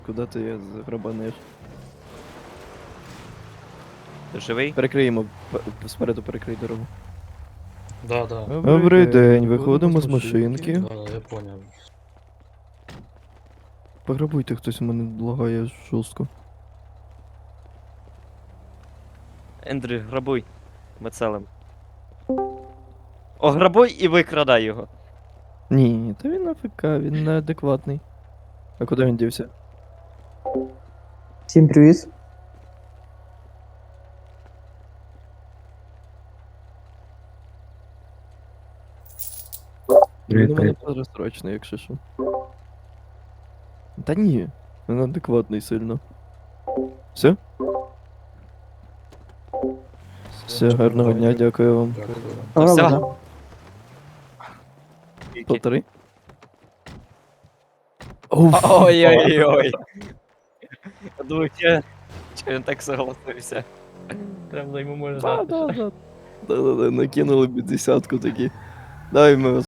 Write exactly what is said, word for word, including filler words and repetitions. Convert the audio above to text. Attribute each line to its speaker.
Speaker 1: Куди ти заграбаниш?
Speaker 2: Ти живий?
Speaker 1: Перекриємо, п- спереду перекрий дорогу.
Speaker 3: Да, да,
Speaker 1: Добрий день, виходимо з машинки.
Speaker 3: да, да, я понял.
Speaker 1: Пограбуйте, хтось у мене лагає жорстко.
Speaker 2: Ендрю, грабуй. Ми целим. О, грабуй і викрадай його.
Speaker 1: Ні, та він АФК, він неадекватний. А куди він дівся?
Speaker 4: Всім привіт.
Speaker 1: Він у мене перестрочний, якщо що. Та ні, він адекватний сильно. Все? Все, гарного дня, дякую вам.
Speaker 3: Дякую.
Speaker 2: Ну, все.
Speaker 4: Ладно.
Speaker 1: Полтори? Уф.
Speaker 2: Ой-ой-ой. Я думаю, че, че він так согласився. Прям йому можна
Speaker 1: Да,
Speaker 2: дати.
Speaker 1: да, да. Да-да-да, накинули п'ятдесятку такі. Дай ми